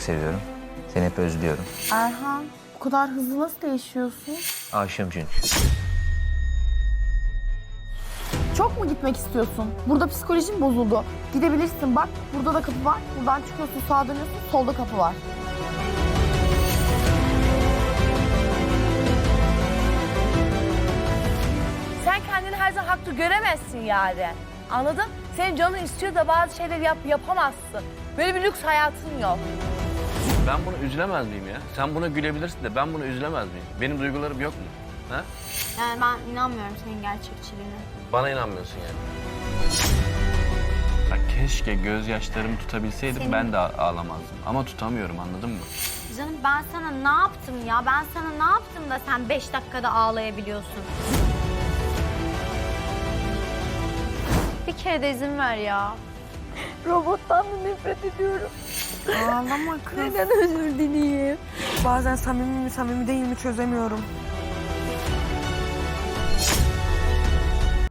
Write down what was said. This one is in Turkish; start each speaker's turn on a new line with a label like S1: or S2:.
S1: seviyorum. Seni hep özlüyorum.
S2: Erhan, bu kadar hızlı nasıl değişiyorsun?
S1: Aşığım çünkü.
S2: Çok mu gitmek istiyorsun? Burada psikolojin bozuldu. Gidebilirsin bak, burada da kapı var. Buradan çıkıyorsun, sağa dönüyorsun, solda kapı var.
S3: Sen kendini her zaman haklı göremezsin yani. Anladın? Senin canın istiyor da bazı şeyleri yapamazsın. Böyle bir lüks hayatın yok.
S4: Ben buna üzülemez miyim ya? Sen buna gülebilirsin de ben buna üzülemez miyim? Benim duygularım yok mu? Ha?
S5: Yani ben inanmıyorum senin gerçekçiliğine.
S4: Bana inanmıyorsun yani. Bak keşke gözyaşlarımı tutabilseydim
S5: Senin-
S4: ben de ağlamazdım. Ama tutamıyorum, anladın mı?
S5: Canım ben sana ne yaptım ya? Ben sana ne yaptım da sen 5 dakikada ağlayabiliyorsun? Bir kere de izin ver ya.
S2: Robottan da nefret ediyorum.
S6: Ağlama kız.
S2: Neden özür dileyeyim?
S6: Bazen samimi mi samimi değil mi çözemiyorum.